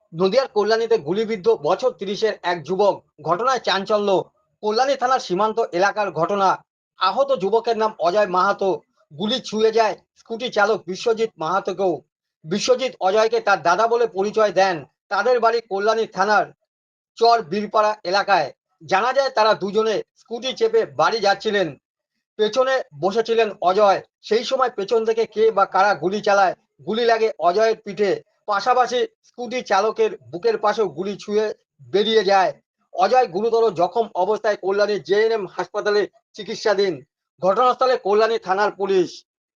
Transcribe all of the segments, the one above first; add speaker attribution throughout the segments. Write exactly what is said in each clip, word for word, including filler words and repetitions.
Speaker 1: নদিয়ার কল্যাণীতে গুলিবিদ্ধ বছর ত্রিশের এক যুবক। ঘটনায় চাঞ্চল্য। কল্যাণী থানার সীমান্ত এলাকার ঘটনা। আহত যুবকের নাম অজয় মাহাতো। গুলি ছুঁয়ে যায় স্কুটি চালক বিশ্বজিৎ মাহাতোকেও। বিশ্বজিৎ অজয়কে তার দাদা বলে পরিচয় দেন। তাদের বাড়ি কল্যাণী থানার চর বীরপাড়া এলাকায়। জানা যায় তারা দুজনে স্কুটি চেপে বাড়ি যাচ্ছিলেন। পেছনে বসেছিলেন অজয়। সেই সময় পেছন থেকে কে বা কারা গুলি চালায়। গুলি লাগে অজয়ের পিঠে। পাশাপাশি স্কুটি চালকের বুকের পাশেও গুলি ছুঁয়ে বেরিয়ে যায়। অজয় গুরুতর জখম অবস্থায় কল্যাণী জেএনএম হাসপাতালে চিকিৎসাধীন। ঘটনাস্থলে কল্যাণী থানার পুলিশ।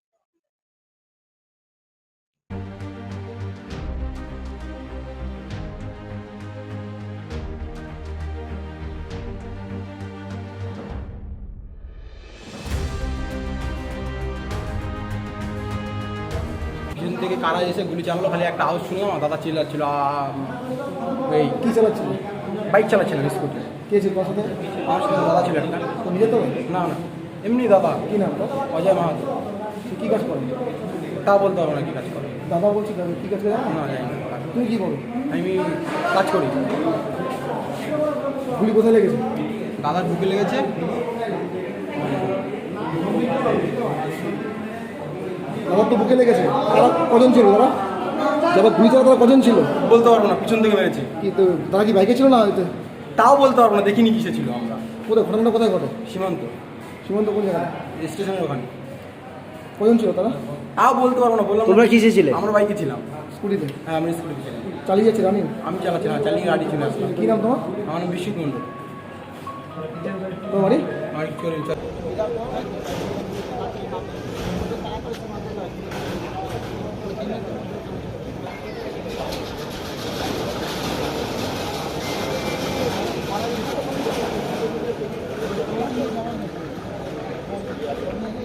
Speaker 2: পিছন থেকে কারা এসে গুলি চালালো, খালি একটা আওয়াজ শুনে আমার দাদা চিল্লাচ্ছিল। আ- এই
Speaker 3: কি চালাচ্ছিল?
Speaker 2: Bike চালাচ্ছিলাম scooty.
Speaker 3: কে ছিল তোর সাথে?
Speaker 2: আমার সাথে দাদা ছিল একটা।
Speaker 3: তো নিজে তো?
Speaker 2: না না, এমনি দাদা।
Speaker 3: কি নাম তোর?
Speaker 2: অজয় মাহাতো।
Speaker 3: তুই কি কাজ করে?
Speaker 2: তা বলতে পারবো না কি কাজ করে।
Speaker 3: দাদা বলছি, দাদা কি কাজ করে জানো?
Speaker 2: না জানি না।
Speaker 3: তুই কি করো?
Speaker 2: আমি কাজ করি।
Speaker 3: গুলি কোথায় লেগেছে?
Speaker 2: দাদার বুকে লেগেছে।
Speaker 3: দাদার তো বুকে লেগেছে। তারা কজন ছিল? তারা যারা গুলি চালা তারা কজন ছিল?
Speaker 2: বলতে পারবো না, পিছন থেকে মেরেছে।
Speaker 3: কি তো তারা কি বাইকে ছিল না এতে?
Speaker 2: তাও বলতে পারবো না, দেখিনি কিসে ছিল। আমরা
Speaker 3: কোথায় ঘটনাটা কোথায় ঘটে?
Speaker 2: সীমান্ত
Speaker 3: সীমান্ত কোন জায়গায়?
Speaker 2: স্টেশনের ওখানে।
Speaker 3: কজন ছিল তারা?
Speaker 2: তাও বলতে পারবো না, বললাম।
Speaker 4: তোমরা কিসে ছিলে?
Speaker 2: আমরা বাইকে ছিলাম।
Speaker 3: স্কুটিতে
Speaker 2: হ্যাঁ, আমি স্কুটি ছিলাম।
Speaker 3: চালিয়ে যাচ্ছে রানিং?
Speaker 2: আমি চালাচ্ছিলাম, চালিয়ে গাড়ি চলে আসলাম।
Speaker 3: কি নাম তোমার?
Speaker 2: আমার নাম বিশ্বজিৎ মন্ডল।
Speaker 3: তোমার বাড়ি?
Speaker 2: আমার চলে
Speaker 3: Thank you.